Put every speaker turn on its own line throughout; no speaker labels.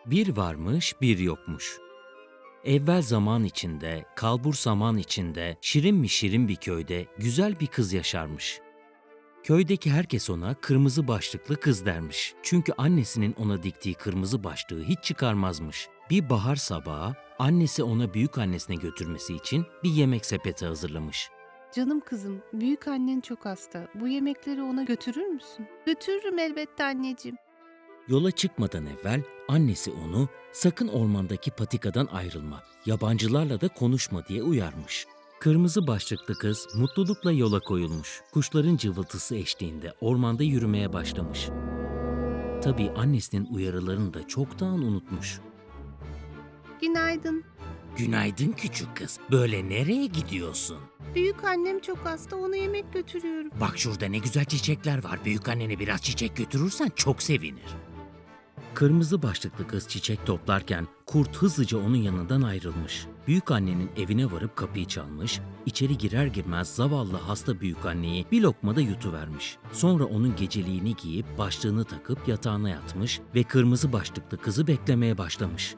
Bir varmış, bir yokmuş. Evvel zaman içinde, kalbur zaman içinde, şirin mi şirin bir köyde güzel bir kız yaşarmış. Köydeki herkes ona kırmızı başlıklı kız dermiş. Çünkü annesinin ona diktiği kırmızı başlığı hiç çıkarmazmış. Bir bahar sabahı annesi ona büyük annesine götürmesi için bir yemek sepeti hazırlamış.
Canım kızım, büyük annen çok hasta. Bu yemekleri ona götürür müsün? Götürürüm elbette anneciğim.
Yola çıkmadan evvel annesi onu sakın ormandaki patikadan ayrılma, yabancılarla da konuşma diye uyarmış. Kırmızı başlıklı kız mutlulukla yola koyulmuş. Kuşların cıvıltısı eşliğinde ormanda yürümeye başlamış. Tabii annesinin uyarılarını da çoktan unutmuş.
Günaydın.
Günaydın küçük kız. Böyle nereye gidiyorsun?
Büyük annem çok hasta, ona yemek götürüyorum.
Bak şurada ne güzel çiçekler var. Büyük annene biraz çiçek götürürsen çok sevinir. Kırmızı başlıklı kız çiçek toplarken kurt hızlıca onun yanından ayrılmış. Büyük annenin evine varıp kapıyı çalmış, içeri girer girmez zavallı hasta büyük anneyi bir lokmada yutuvermiş. Sonra onun geceliğini giyip başlığını takıp yatağına yatmış ve kırmızı başlıklı kızı beklemeye başlamış.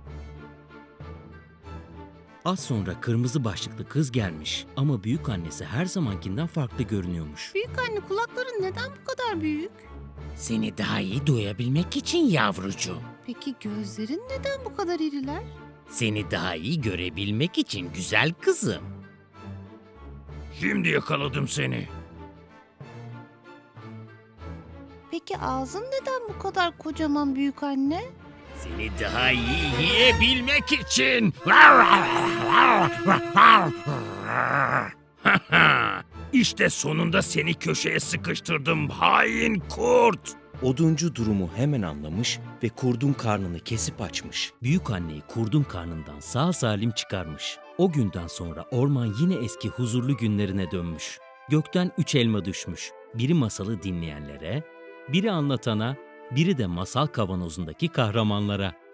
Az sonra kırmızı başlıklı kız gelmiş ama büyük annesi her zamankinden farklı görünüyormuş.
Büyük anne, kulakların neden bu kadar büyük?
Seni daha iyi duyabilmek için yavrucuğum.
Peki gözlerin neden bu kadar iriler?
Seni daha iyi görebilmek için güzel kızım. Şimdi yakaladım seni.
Peki ağzın neden bu kadar kocaman büyük anne?
Seni daha iyi yiyebilmek için. İşte sonunda seni köşeye sıkıştırdım hain kurt. Oduncu durumu hemen anlamış ve kurdun karnını kesip açmış. Büyük anneyi kurdun karnından sağ salim çıkarmış. O günden sonra orman yine eski huzurlu günlerine dönmüş. Gökten 3 elma düşmüş. Biri masalı dinleyenlere, biri anlatana, biri de masal kavanozundaki kahramanlara.